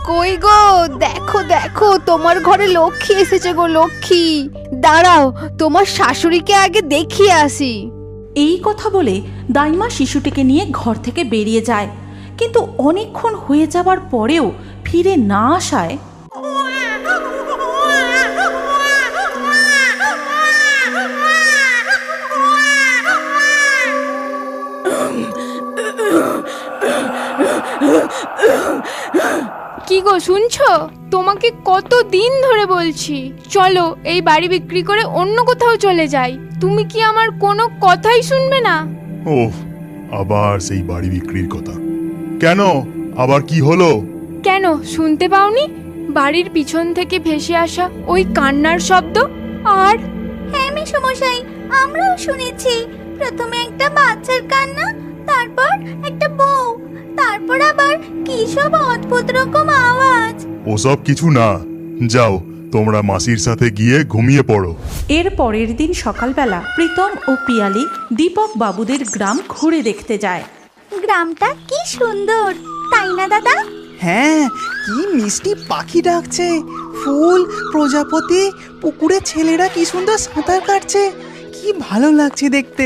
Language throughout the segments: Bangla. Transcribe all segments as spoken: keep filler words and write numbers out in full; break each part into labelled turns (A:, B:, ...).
A: কই গো, দেখো দেখো তোমার ঘরে লক্ষ্মী এসেছে গো, লক্ষ্মী। দাঁড়াও, তোমার শাশুড়িকে আগে দেখিয়ে আসি।
B: এই কথা বলে দাইমা শিশুটিকে নিয়ে ঘর থেকে বেরিয়ে যায়, কিন্তু অনেকক্ষণ হয়ে যাবার পরেও ফিরে না আসায়
A: কি গো শুনছো? তোমাকে কত দিন ধরে বলছি চলো এই বাড়ি বিক্রি করে অন্য কোথাও চলে যাই, তুমি কি আমার কোনো কথাই শুনবে না?
C: ওহ, আবার সেই বাড়ি বিক্রির কথা। কেন, আবার কি হলো?
A: কেন শুনতে পাওনি? বাড়ির পিছন থেকে ভেসে আসা ওই কান্নার শব্দ। আর
D: হ্যাঁ মেসোমশাই, আমরাও শুনেছি। প্রথমে একটা বাচ্চার কান্না, তারপর একটা বউ, তারপর আবার কি সব অদ্ভুত রকম আওয়াজ।
C: ওসব কিছু না, যাও তোমরা মাসির সাথে গিয়ে ঘুমিয়ে পড়ো।
B: এর পরের দিন সকালবেলা প্রীতম ও পিয়ালি দীপক বাবুদের গ্রাম ঘুরে দেখতে যায়।
D: গ্রামটা কি সুন্দর, তাই না দাদা?
E: হ্যাঁ, কি মিষ্টি পাখি ডাকছে, ফুল, প্রজাপতি, পুকুরে ছেলেরা কি সুন্দর সাঁতার কাটছে, কি ভালো লাগছে দেখতে।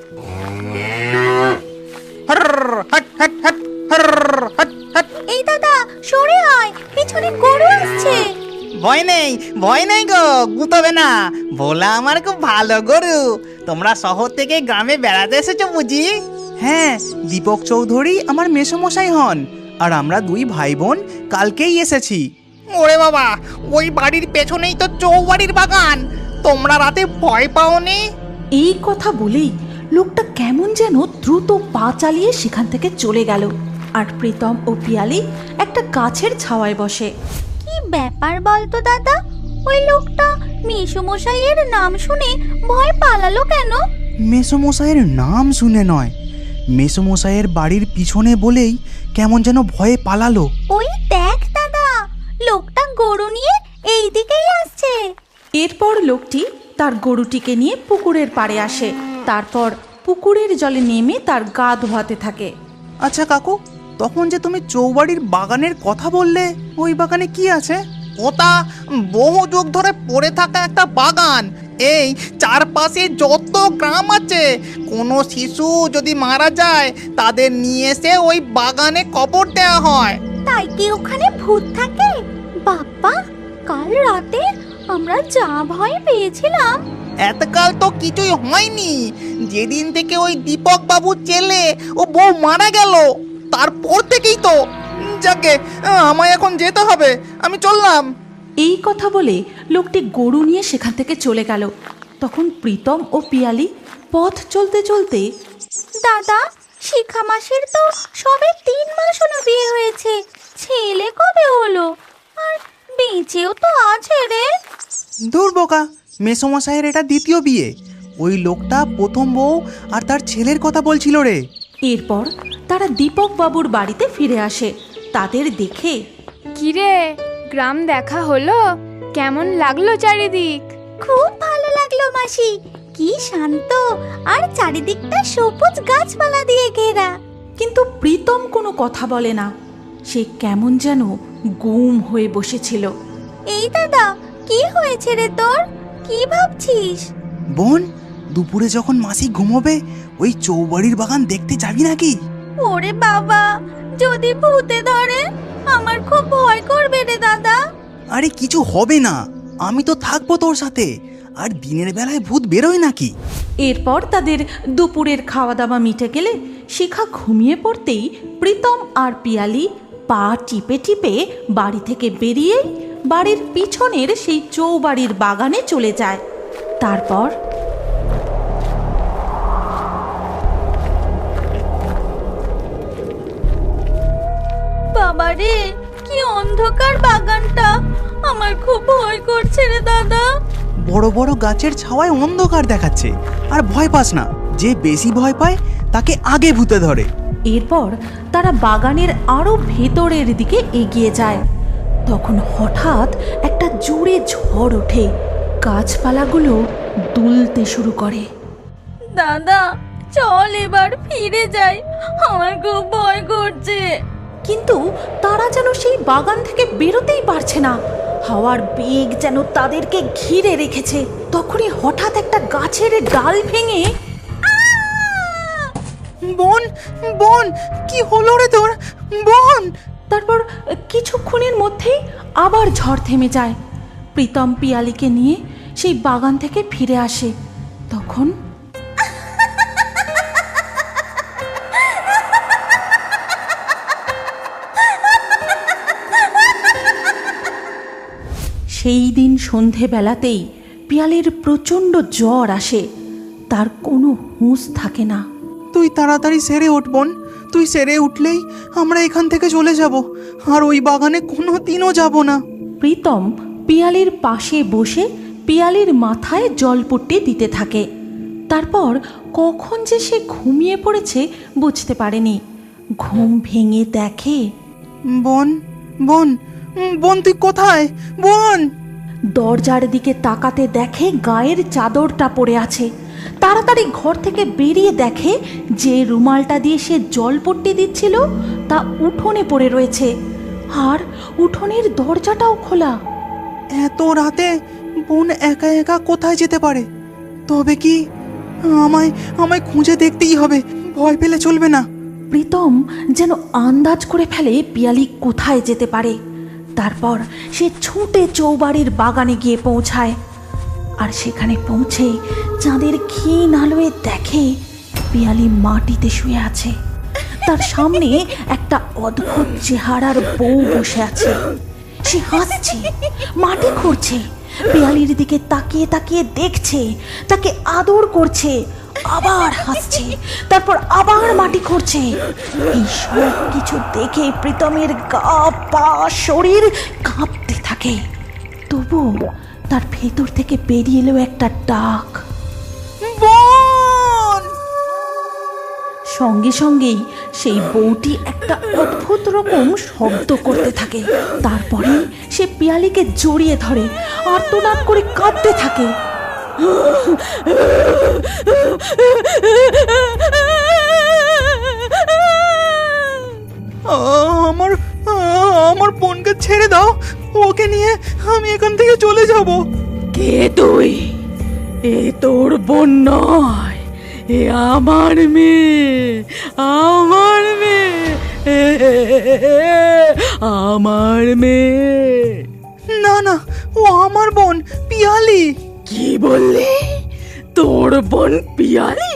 D: এই দাদা সরে আয়, পিছনে গরু আসছে।
E: ভয় নেই, ভয় নেই গো, গুতবে না। ভোলা আমার খুব ভালো গরু। তোমরা শহর থেকে গ্রামে বেড়াতে এসেছো বুঝি? হ্যাঁ, দীপক চৌধুরী আমার মেসোমশাই হন, আর আমরা দুই ভাই বোন কালকেই এসেছি। ওরে বাবা, ওই বাড়ির পেছনেই তো চৌবাড়ির বাগান। তোমরা রাতে ভয় পাওনি?
B: এই কথা বলেই লোকটা কেমন যেন দ্রুত পা চালিয়ে সেখান থেকে চলে গেল, আর প্রীতম ও পিয়ালি একটা গাছের ছাওয়ায় বসে।
D: কি ব্যাপার বলতো দাদা, ওই লোকটা মেসোমশাইয়ের নাম শুনে ভয় পালালো কেন?
E: মেসোমশাইয়ের নাম শুনে নয়, মেসোমশাইয়ের বাড়ির পিছনে বলেই কেমন যেন ভয়ে পালালো।
D: ওই দেখ দাদা, লোকটা গরু নিয়ে এই দিকেই আসছে।
B: এরপর লোকটি তার গরুটিকে নিয়ে পুকুরের পাড়ে আসে, তারপর পুকুরের জলে নেমে তার গা ধোয়াতে থাকে।
E: আচ্ছা কাকু, তখন যে তুমি চৌবাড়ির বাগানের কথা বললে, ওই বাগানে কি আছে? ওটা বহু যুগ ধরে পড়ে থাকা একটা বাগান। এই চারপাশে যত গ্রাম আছে, কোনো শিশু যদি মারা যায় তাদের নিয়ে এসে ওই বাগানে কবর দেওয়া হয়।
D: তাই কি ওখানে ভূত থাকে? বাপ্পা, কাল রাতে আমরা যা ভয় পেয়েছিলাম।
E: এতকাল তো কিছুই হয়নি। যেদিন থেকে ওই দীপক বাবুর ছেলে ও বউ মারা গেল, তারপর থেকেই তো। যাকে, আমায় এখন যেতে হবে, আমি চললাম।
B: এই কথা বলে লোকটি গরু নিয়ে সেখান থেকে চলে গেল। তখন প্রীতম ও পিয়ালি পথ চলতে চলতে,
D: দাদা, শিখা মাসির তো সবে তিন মাস হলো বিয়ে হয়েছে, ছেলে কবে হলো? আর বেঁচেও তো আছে রে।
E: দূর বোকা, মেসোমশাইয়ের এটা দ্বিতীয় বিয়ে। ওই লোকটা প্রথম বউ আর তার ছেলের কথা বলছিল রে।
B: এরপর তারা দীপক বাবুর বাড়িতে ফিরে আসে। তাদের দেখে,
A: কিরে, গ্রাম দেখা হলো? কেমন লাগলো চারিদিক?
D: খুব ভালো লাগলো মাসি, কি শান্ত, আর চারিদিকটা সবুজ গাছপালা দিয়ে ঘেরা।
B: কিন্তু প্রীতম কোনো কথা বলে না, সে কেমন যেন গুম হয়ে বসেছিল।
D: এই দাদা, কি হয়েছে রে তোর? কি ভাবছিস?
E: বোন, দুপুরে যখন মাসি ঘুমোবে ওই চৌবাড়ির বাগান দেখতে যাবি নাকি?
D: ওরে বাবা, যদি ভূতে ধরে আমার খুব ভয় করবে রে দাদা।
E: আরে কিছু হবে না, আমি তো থাকবো তোর সাথে। আর দিনের বেলায় ভূত বেরোয় নাকি?
B: এরপর তাদের দুপুরের খাওয়া দাওয়া মিটে গেলে শিখা ঘুমিয়ে পড়তেই প্রীতম আর পিয়ালি পা টিপে টিপে বাড়ি থেকে বেরিয়ে বাড়ির পিছনের সেই চৌবাড়ির বাগানে চলে যায়। তারপর
D: বাবারে, কি অন্ধকার বাগানটা, আমার খুব ভয় করছে রে দাদা।
E: বড় বড় গাছের ছাওয়ায় অন্ধকার দেখাচ্ছে, আর ভয় পাস না, যে বেশি ভয় পায় তাকে আগে ভূতে ধরে।
B: এরপর তারা বাগানের আরো ভেতরের দিকে এগিয়ে যায়। তখন হঠাৎ একটা জোরে ঝড় ওঠে, গাছপালাগুলো দুলতে শুরু করে।
D: দাদা, চল এবার ফিরে যাই, আমার খুব ভয় করছে।
B: কিন্তু তারা যেন সেই বাগান থেকে বেরোতেই পারছে না। হাওয়ার বেগ যেন তাদেরকে ঘিরে রেখেছে। তখনই হঠাৎ একটা গাছের ডাল ভেঙে
E: বোন, বোন, কি হলো রে তোর? বোন!
B: তারপর কিছুক্ষণের মধ্যেই আবার ঝড় থেমে যায়। প্রীতম পিয়ালিকে নিয়ে সেই বাগান থেকে ফিরে আসে। তখন সেই দিন সন্ধেবেলাতেই পিয়ালির প্রচণ্ড জ্বর আসে। তার কোনো হুঁশ থাকে না।
E: তুই তাড়াতাড়ি সেরে উঠ বোন। তুই সেরে উঠলেই আমরা এখান থেকে চলে যাব, আর ওই বাগানে কোনো দিনও যাব না।
B: প্রীতম পিয়ালির পাশে বসে পিয়ালির মাথায় জলপট্টি দিতে থাকে। তারপর কখন যে সে ঘুমিয়ে পড়েছে বুঝতে পারেনি। ঘুম ভেঙে দেখে
E: বোন, বোন, বোন, তুই কোথায় বোন?
B: দরজার দিকে তাকাতে দেখে গায়ের চাদরটা পড়ে আছে। তাড়াতাড়ি ঘর থেকে বেরিয়ে দেখে যে রুমালটা দিয়ে সে জলপট্টি দিচ্ছিল তা উঠোনে পড়ে রয়েছে, আর উঠোনের দরজাটাও খোলা।
E: এত রাতে বোন একা একা কোথায় যেতে পারে? তবে কি আমায় আমায় খুঁজে দেখতেই হবে, ভয় পেলে চলবে না।
B: প্রীতম যেন আন্দাজ করে ফেলে পিয়ালি কোথায় যেতে পারে। তারপর সে ছুটে চৌবাড়ির বাগানে গিয়ে পৌঁছায়, আর সেখানে পৌঁছে চাঁদের ক্ষীণ আলোয় দেখে পিয়ালি মাটিতে শুয়ে আছে। তার সামনে একটা অদ্ভুত চেহারার বউ বসে আছে। সে হাসছে, মাটি খুঁড়ছে, পিয়ালির দিকে তাকিয়ে তাকিয়ে দেখছে, তাকে আদর করছে, আবার হাসছে, তারপর আবার মাটি খুঁড়ছে। এই সব কিছু দেখে প্রীতমের গা পা শরীর কাঁপতে থাকে। তবু তার ভেতর থেকে বেরিয়ে এলো একটা ডাক,
E: বোন!
B: সঙ্গে সঙ্গেই সেই বউটি একটা অদ্ভুত রকম শব্দ করতে থাকে। তারপরে সে পিয়ালিকে জড়িয়ে ধরে আর্তনাদ করে কাঁদতে থাকে।
E: আমার আমার বোনকে ছেড়ে দাও, ওকে নিয়ে আমি এখান থেকে চলে যাব।
B: কে তুই? এ তোর বোন নয়, এ আমার মেয়ে, আমার মেয়ে, আমার মেয়ে।
E: না না, ও আমার বোন পিয়ালি।
B: কি বললি? তোর বোন পিয়ালি?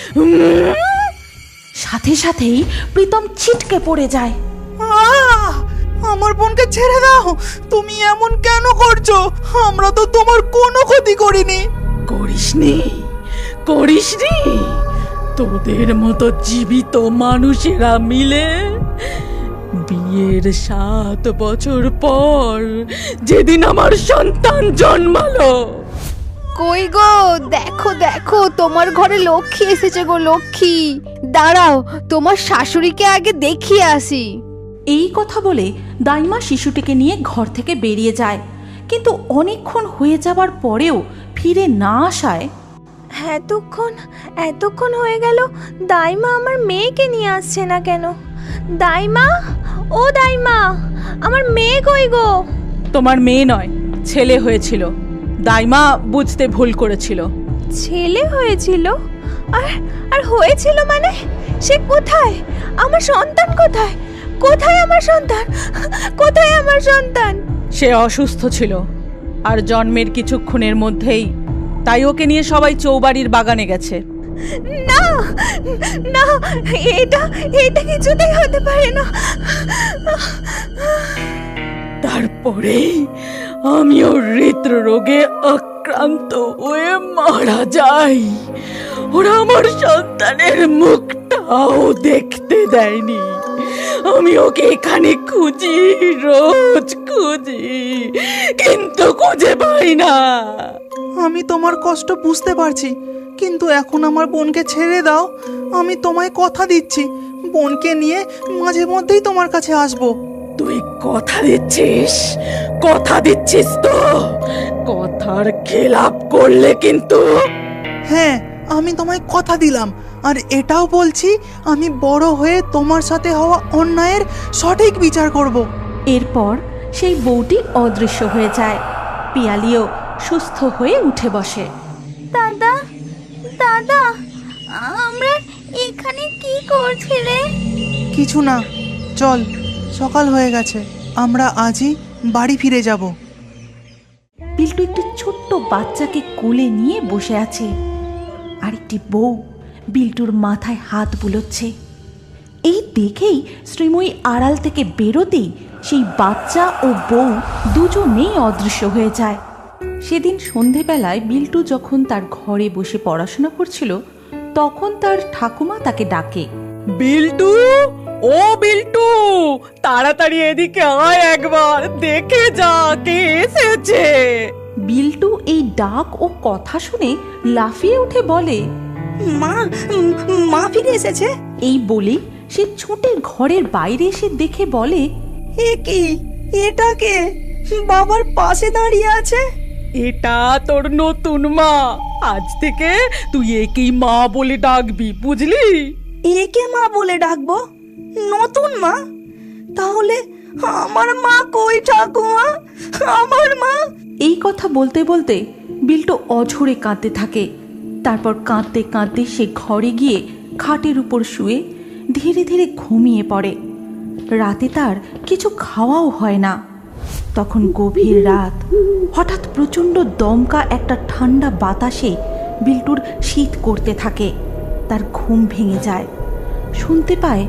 B: সাথে সাথেই প্রীতম ছিটকে পড়ে যায়।
E: আহ! আমার বোনকে ছেড়ে দাও। তুমি এমন কেন করছো? আমরা তো তোমার কোনো ক্ষতি করিনি।
F: করিসনি করিসনি তোদের মতো জীবিত মানুষেরা মিলে বিয়ের সাত বছর পর যেদিন আমার সন্তান জন্মালো,
A: কই গো, দেখো দেখো, তোমার ঘরে লক্ষ্মী এসেছে গো, লক্ষ্মী। দাঁড়াও, তোমার শাশুড়িকে আগে দেখিয়ে আসি।
B: এই কথা বলে দাইমা শিশুটিকে নিয়ে ঘর থেকে বেরিয়ে যায়। কিন্তু অনেকক্ষণ হয়ে যাবার পরেও ফিরে না আসায়
D: এতক্ষণ এতক্ষণ হয়ে গেল, দাইমা আমার মেয়েকে নিয়ে আসছে না কেন? দাইমা, ও দাইমা, আমার মেয়ে কই গো?
F: তোমার মেয়ে নয়, ছেলে হয়েছিল। দাইমা বুঝতে ভুল করেছিল।
D: ছেলে হয়েছিল? আর আর হয়েছিল মানে? সে কোথায়? আমার সন্তান কোথায়? কোথায় আমার সন্তান? কোথায় আমার সন্তান?
F: সে অসুস্থ ছিল, আর জন্মের কিছুক্ষণের মধ্যেই তাই ওকে নিয়ে সবাই চৌবাড়ির বাগানে গেছে।
D: না না, এটা এটা কিছুতেই হতে পারে না।
F: তারপরেই আমিও হৃদরোগে আক্রান্ত হয়ে মারা যাই। ওরা আমার সন্তানের মুখটাও দেখতে দেয়নি। আমি ওকে এখানে খুঁজি, রোজ খুঁজি, কিন্তু খুঁজে পাই না।
E: আমি তোমার কষ্ট বুঝতে পারছি, কিন্তু এখন আমার বোনকে ছেড়ে দাও। আমি তোমায় কথা দিচ্ছি, বোনকে নিয়ে মাঝে মধ্যেই তোমার কাছে আসবো।
F: তুই কথা দিচ্ছিস? কথা দিচ্ছিস তো? কথার খেলাপ করলে কিন্তু।
E: হ্যাঁ, আমি তোমায় কথা দিলাম, আর এটাও বলছি আমি বড় হয়ে তোমার সাথে হওয়া অন্যায়ের সঠিক বিচার করব।
B: এরপর সেই বউটি অদৃশ্য হয়ে যায়। পিয়ালিও সুস্থ হয়ে উঠে বসে।
D: দাদা দাদা আমরা এখানে কি করছি রে?
E: কিছু না, চল, সকাল হয়ে গেছে, আমরা আজই বাড়ি ফিরে যাব।
B: বিল্টু একটি ছোট্ট বাচ্চাকে কোলে নিয়ে বসে আছে, আর একটি বউ বিল্টুর মাথায় হাত বুলোচ্ছে। এই দেখেই শ্রীময়ী আড়াল থেকে বেরোতেই সেই বাচ্চা ও বউ দুজনেই অদৃশ্য হয়ে যায়। সেদিন সন্ধেবেলায় বিল্টু যখন তার ঘরে বসে পড়াশোনা করছিল, তখন তার ঠাকুমা তাকে ডাকে।
F: বিল্টু, ও বিল্টু, তাড়াতাড়ি এদিকে আয়, একবার দেখে যা কে এসেছে।
B: বিল্টু এই ডাক ও কথা শুনে লাফিয়ে উঠে বলে,
G: মা মা ফিরে এসেছে।
B: এই বলে সে ছুটে ঘরের বাইরে এসে দেখে বলে,
G: এ কি, এটা কে বাবার পাশে দাঁড়িয়ে আছে?
F: এটা তোর নতুন মা। আজ থেকে তুই একেই মা বলে ডাকবি, বুঝলি?
G: একে মা বলে ডাকবো? নতুন মা? তাহলে আমার মা কই ঠাকুমা? আমার মা?
B: এই কথা বলতে বলতে বিল্টু অঝরে কাঁদতে থাকে। তারপর কাঁদতে কাঁদতে সে ঘরে গিয়ে খাটের উপর শুয়ে ধীরে ধীরে ঘুমিয়ে পড়ে। রাতে তার কিছু খাওয়াও হয় না। তখন গভীর রাত, হঠাৎ প্রচণ্ড দমকা একটা ঠান্ডা বাতাসে বিল্টুর শীত করতে থাকে। তার ঘুম ভেঙে যায়। শুনতে পায়,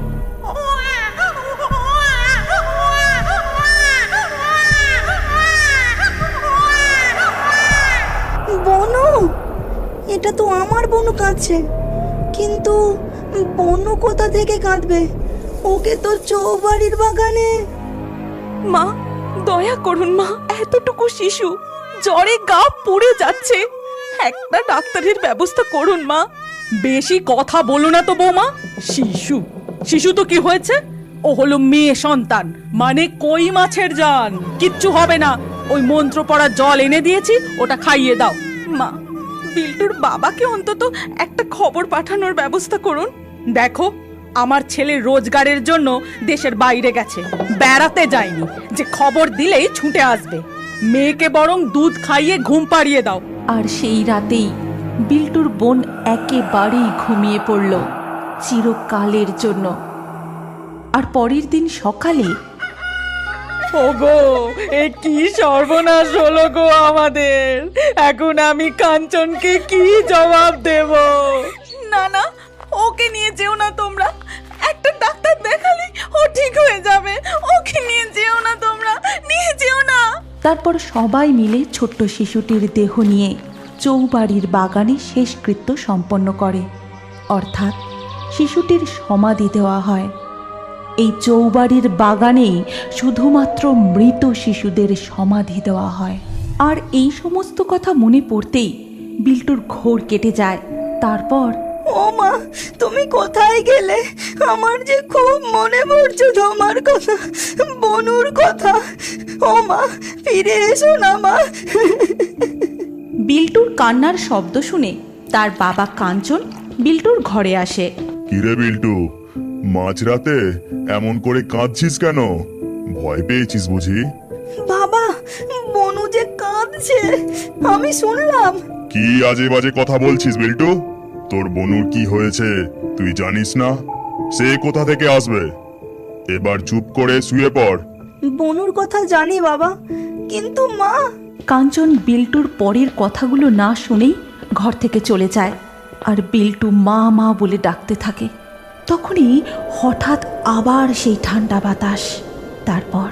G: বনু, এটা তো আমার বনু কাঁদছে। কিন্তু বনু কোথা থেকে কাঁদবে? ওকে তো চৌবাড়ির বাগানে।
F: মা, দয়া করুন মা, এতটুকু শিশু জ্বরে গা পুড়ে যাচ্ছে, একটা ডাক্তারের ব্যবস্থা করুন মা। বেশি কথা বলো না তো বৌমা। শিশু শিশু তো কি হয়েছে? ও হলো মেয়ে সন্তান, মানে কই মাছের জান। কিচ্ছু হবে না, ওই মন্ত্র পড়া জল এনে দিয়েছি, ওটা খাইয়ে দাও। মা, বিল্টুর বাবাকে অন্তত একটা খবর পাঠানোর ব্যবস্থা করুন। দেখো, আমার ছেলে রোজগারের জন্য দেশের বাইরে গেছে, বেড়াতে যায়নি যে খবর দিলেই ছুটে আসবে। মেয়েকে বরং দুধ খাইয়ে ঘুম পাড়িয়ে দাও।
B: আর সেই রাতেই বিল্টুর বোন একেবারেই ঘুমিয়ে পড়ল চিরকালের জন্য। আর পরের দিন সকালে,
F: ওগো, এ কি সর্বনাশ হলো গো আমাদের! এখন আমি কাঞ্চনকে কি জবাব দেব? না না, ওকে নিয়ে যেও না তোমরা। একটা ডাক্তার দেখালে ও ঠিক হয়ে যাবে। ওকে নিয়ে যেও না তোমরা, নিয়ে যেও না।
B: তারপর সবাই মিলে ছোট্ট শিশুটির দেহ নিয়ে চৌবাড়ির বাগানে শেষকৃত্য সম্পন্ন করে, অর্থাৎ শিশুটির সমাধি দেওয়া হয়। এই চৌবাড়ির বাগানেই শুধুমাত্র মৃত শিশুদের সমাধি দেওয়া হয়। আর এই সমস্ত কথা মনে পড়তেই বিল্টুর ঘোর কেটে যায়। তারপর,
G: ও মা, তুমি কোথায় গেলে? আমার যে খুব মনে পড়ছে তোমার কথা, বনুর কথা। ও মা, ফিরে এসো না মা।
B: বিল্টুর কান্নার শব্দ শুনে তার বাবা কাঞ্চন বিল্টুর ঘরে আসে।
C: কিরে বিল্টু, মাঝরাতে এমন করে কাঁদছিস কেন? ভয় পেয়েছিস বুঝি?
G: বাবা, বনু যে কাঁদছে আমি শুনলাম।
C: কি আজে বাজে কথা বলছিস বিল্টু? তোর বনুর কি হয়েছে তুই জানিস না? সে কোথা থেকে আসবে? এবার চুপ করে শুয়ে পড়।
G: বনুর কথা জানি বাবা, কিন্তু মা।
B: কাঞ্চন বিল্টুর পরের কথাগুলো না শুনেই ঘর থেকে চলে যায়। আর বিল্টু মা মা বলে ডাকতে থাকে। তখনই হঠাৎ আবার সেই ঠান্ডা বাতাস। তারপর,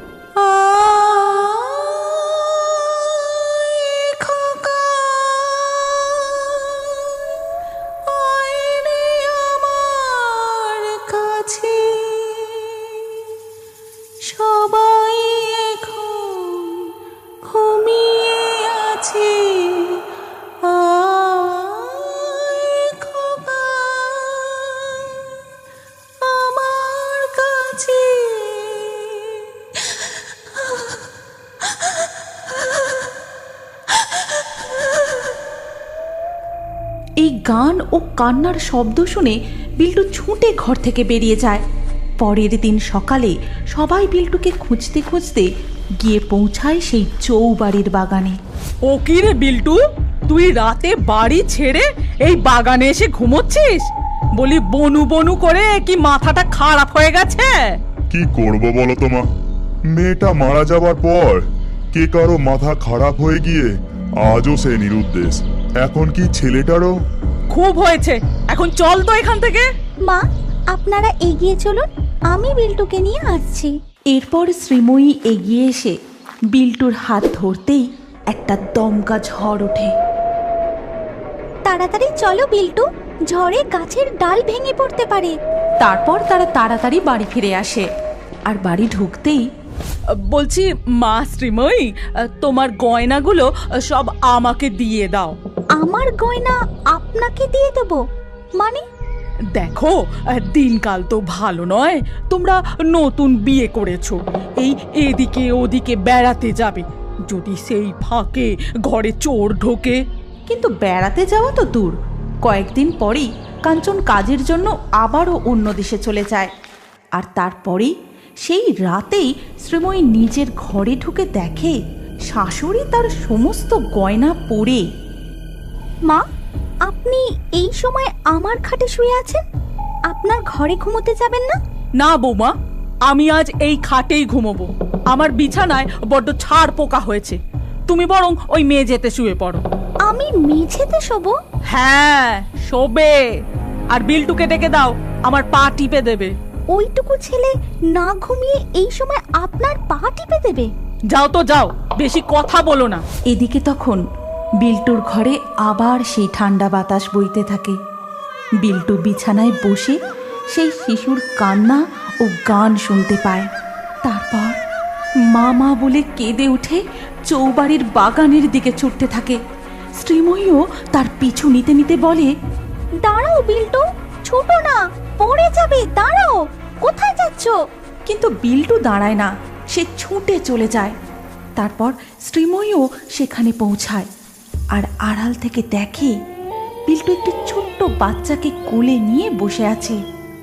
G: সবাই এখন ঘুমিয়ে আছে, আমার কাছে
B: গান ও কান্নার শব্দ শুনে বিল্টু ছুটে ঘর থেকে বেরিয়ে যায়। পরের দিন সকালে সবাই বিল্টুকে খুঁজতে খুঁজতে গিয়ে পৌঁছায় সেই চৌবাড়ির বাগানে।
F: ও কি রে বিল্টু, তুই রাতে বাড়ি ছেড়ে এই বাগানে এসে ঘুমোচ্ছিস? বলি বনু বনু করে কি মাথাটা খারাপ হয়ে গেছে?
C: কি করব বলো তো মা, মেয়েটা মারা যাবার পর কে কারো মাথা খারাপ হয়ে গিয়ে আজও সে নিরুদ্দেশ। এখন কি ছেলেটারও?
F: খুব হয়েছে, এখন চল তো এখান থেকে।
D: মা, আপনারা এগিয়ে চলুন, আমি বিল্টুকে নিয়ে আসছি।
B: এরপর শ্রীময়ী এগিয়ে এসে বিল্টুর হাত ধরতেই একটা দমকা ঝড় ওঠে।
D: তাড়াতাড়ি চলো বিল্টু, ঝড়ে গাছের ডাল ভেঙে পড়তে পারে।
B: তারপর তারা তাড়াতাড়ি বাড়ি ফিরে আসে, আর বাড়ি ঢুকতেই
F: বলছি মা শ্রীময়ী, তোমার গয়নাগুলো সব আমাকে দিয়ে দাও।
D: আমার গয়না আপনাকে দিয়ে দেবো মানে?
F: দেখো, দিনকাল তো ভালো নয়, তোমরা নতুন বিয়ে করেছো, এই এদিকে ওদিকে বেড়াতে যাবে, যদি সেই ফাঁকে ঘরে চোর ঢোকে।
B: কিন্তু বেড়াতে যাওয়া তো দূর, কয়েকদিন পরেই কাঞ্চন কাজের জন্য আবারও অন্য দেশে চলে যায়। আর তারপরেই সেই রাতেই শ্রীময়ী নিজের ঘরে ঢুকে দেখে শাশুড়ি তার সমস্ত গয়না পরে।
D: মা, আপনি এই সময় আমার খাটে শুয়ে আছেন? আপনার ঘরে ঘুমোতে যাবেন না?
F: না বৌমা, আমি আজ এই খাটেই ঘুমোবো। আমার বিছানায় বড্ড ছাড় পোকা হয়েছে, তুমি বরং ওই মেঝেতে শুয়ে পড়ো।
D: আমি মেঝেতে শোবো?
F: হ্যাঁ, শোবে। আর বিল্টুকে ডেকে দাও, আমার পা টিপে দেবে।
D: ওইটুকু ছেলে না ঘুমিয়ে এই সময় আপনার পা টিপে দেবে?
F: যাও তো যাও, বেশি কথা বলো না।
B: এদিকে তখন বিল্টুর ঘরে আবার সেই ঠান্ডা বাতাস বইতে থাকে। বিল্টু বিছানায় বসে সেই শিশুর কান্না ও গান শুনতে পায়। তারপর মা মা বলে কেঁদে উঠে চৌবাড়ির বাগানের দিকে ছুটতে থাকে। শ্রীময়ীও তার পিছু নিতে নিতে বলে,
D: দাঁড়াও বিল্টু, ছোটো না, পড়ে যাবে, দাঁড়াও, কোথায় যাচ্ছ?
B: কিন্তু বিল্টু দাঁড়ায় না, সে ছুটে চলে যায়। তারপর শ্রীময়ীও সেখানে পৌঁছায়, আর আড়াল থেকে দেখে বিল্টু একটি ছোট্ট বাচ্চাকে কোলে নিয়ে বসে আছে,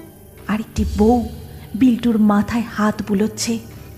B: আর একটি বউ বিল্টুর মাথায় হাত বুলোচ্ছে।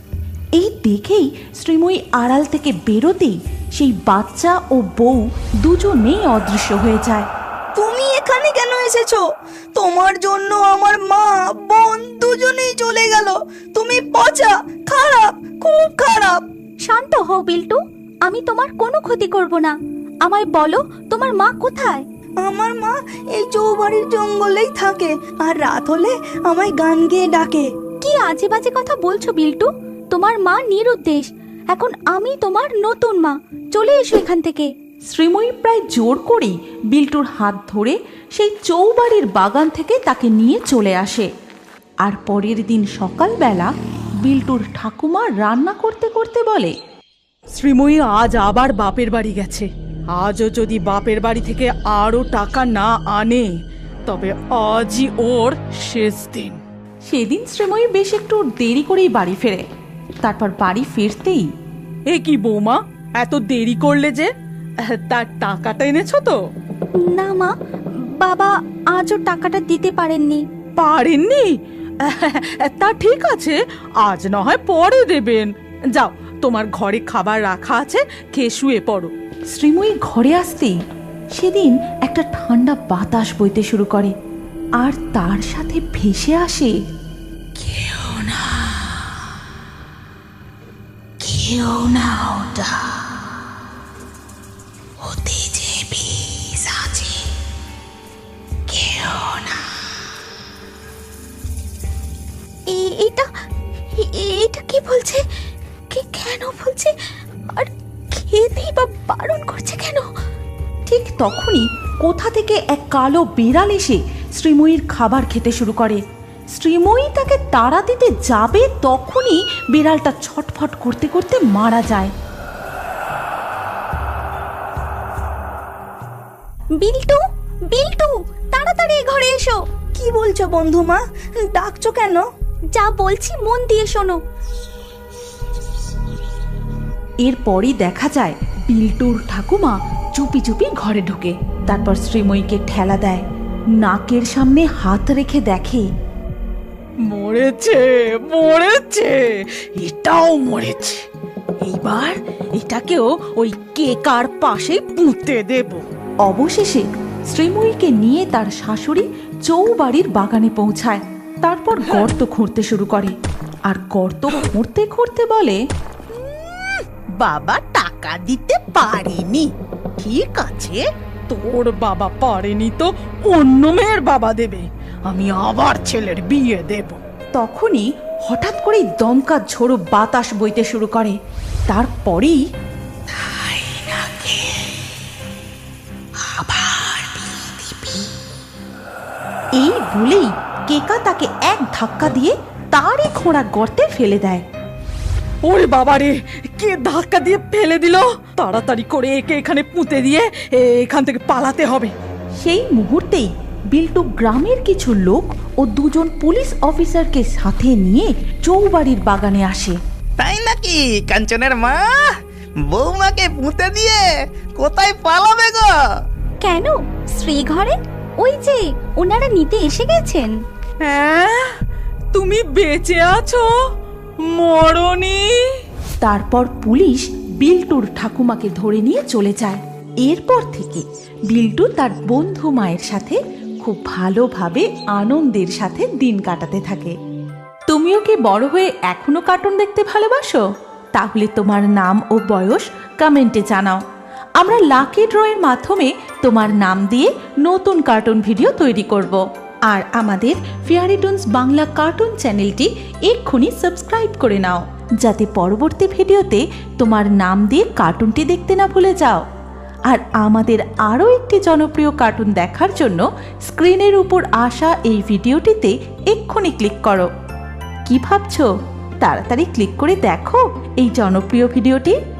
B: এই দেখেই শ্রীময়ী আড়াল থেকে বেরোতেই সেই বাচ্চা ও বউ দুজনেই অদৃশ্য হয়ে যায়।
G: তুমি এখানে কেন এসেছো? তোমার জন্য আমার মা বোন দুজনেই চলে গেল। তুমি পচা, খারাপ, খুব খারাপ।
D: শান্ত হও বিল্টু, আমি তোমার কোনো ক্ষতি করব না। আমায় বলো, তোমার মা কোথায়?
G: আমার মা এই চৌবাড়ির জঙ্গলেই থাকে, আর রাত হলে আমায় গান গেয়ে ডাকে।
D: কি আজে বাজে কথা বলছো বিল্টু? তোমার মা নিরুদ্দেশ, এখন আমি তোমার নতুন মা, চলে এসো এখান থেকে।
B: শ্রীময়ী প্রায় জোর করেই বিল্টুর হাত ধরে সেই চৌবাড়ির বাগান থেকে তাকে নিয়ে চলে আসে। আর পরের দিন সকালবেলা বিল্টুর ঠাকুমা রান্না করতে করতে বলে,
F: শ্রীময়ী আজ আবার বাপের বাড়ি গেছে। আজও যদি বাপের বাড়ি থেকে আরো টাকা না আনে, তবে আজই ওর শেষ দিন।
B: সেদিন শ্রীময়ী বেশ একটু দেরি করেই বাড়ি ফেরে। তারপর বাড়ি ফিরতেই,
F: এ কি বৌমা, এত দেরি করলে যে? তার টাকাটা এনেছো তো?
D: না মা, বাবা আজও টাকাটা দিতে পারেননি।
F: পারেননি? তা ঠিক আছে, আজ না হয় পরে দেবেন। যাও, তোমার ঘরে খাবার রাখা আছে, খেয়ে শুয়ে পড়ো।
B: শ্রীময়ী ঘরে আসতেই সেদিন একটা ঠান্ডা বাতাস বইতে শুরু করে, আর তার সাথে ভেসে আসে, কেউ না, কেউ না, ওটা ওতে যে বিষ আছে, কেউ না।
D: এটা এটা কি বলছে? কে কেন বলছে? আর খেতেই বা বারণ করছে কেন?
B: ঠিক তখনই কোথা থেকে এক কালো বিড়াল এসে শ্রীময়ীর খাবার খেতে শুরু করে। শ্রীময়ী তাকে তাড়া দিতে যাবে, তখনই বিড়ালটা ছটফট করতে করতে মারা যায়।
D: বিল্টু, বিল্টু, তাড়াতাড়ি ঘরে এসো।
G: কি বলছো বন্ধু মা? ডাকছো কেন?
D: যা বলছি মন দিয়ে শোনো।
B: এরপরই দেখা যায় বিল্টুর ঠাকুমা চুপি চুপি ঘরে ঢোকে। তারপর শ্রীময়ীকে ঠেলা দেয়, নাকের সামনে হাত রেখে দেখে
F: মরেছে মরেছে, এটাও মরেছে। এইবার এটাকেও ওই কেকার পাশে পুঁতে দেব।
B: অবশেষে শ্রীময়ীকে নিয়ে তার শাশুড়ি চৌবাড়ির বাগানে পৌঁছায়। তারপর গর্ত খুঁড়তে শুরু করে, আর গর্ত খুঁড়তে খুঁড়তে বলে,
F: বাবা টাকা দিতে পারেনি, ঠিক আছে, তোর বাবা পারেনি তো অন্য মেয়ের বাবা দেবে, আমি আবার ছেলের বিয়ে দেব।
B: তখনই হঠাৎ করেই দমকা ঝোড়ো বাতাস বইতে শুরু করে। তারপরেই এই বলেই কেকা তাকে এক ধাক্কা দিয়ে তারই খোঁড়া গর্তে ফেলে দেয়।
F: ওরে বাবা রে, কে ধাক্কা দিয়ে ফেলে দিল! তাড়াতাড়ি করে একে এখানে পুঁতে দিয়ে এখান থেকে পালাতে হবে।
B: সেই মুহূর্তেই বিল্টু গ্রামের কিছু লোক ও দুজন পুলিশ অফিসারকে সাথে নিয়ে চৌবাড়ির বাগানে আসে।
E: তাই নাকি কাঞ্চনের মা? বৌমাকে পুঁতে দিয়ে কোথায় পালাবে গো?
D: কেন, শ্রী ঘরে? ওই যে ওনারা নিতে এসে গেছেন।
F: হ্যাঁ, তুমি বেঁচে আছো, মরনি?
B: তারপর পুলিশ বিল্টুর ঠাকুমাকে ধরে নিয়ে চলে যায়। এরপর থেকে বিল্টু তার বন্ধু মায়ের সাথে খুব ভালোভাবে আনন্দের সাথে দিন কাটাতে থাকে। তুমিও কি বড় হয়ে এখনো কার্টুন দেখতে ভালোবাসো? তাহলে তোমার নাম ও বয়স কমেন্টে জানাও। আমরা লাকি ড্রয়ের মাধ্যমে তোমার নাম দিয়ে নতুন কার্টুন ভিডিও তৈরি করব। আর আমাদের ফেয়ারিটুনস বাংলা কার্টুন চ্যানেলটি এক্ষুনি সাবস্ক্রাইব করে নাও, যাতে পরবর্তী ভিডিওতে তোমার নাম দিয়ে কার্টুনটি দেখতে না ভুলে যাও। আর আমাদের আরও একটি জনপ্রিয় কার্টুন দেখার জন্য স্ক্রিনের উপর আসা এই ভিডিওটিতে এক্ষুনি ক্লিক করো। কি ভাবছো? তাড়াতাড়ি ক্লিক করে দেখো এই জনপ্রিয় ভিডিওটি।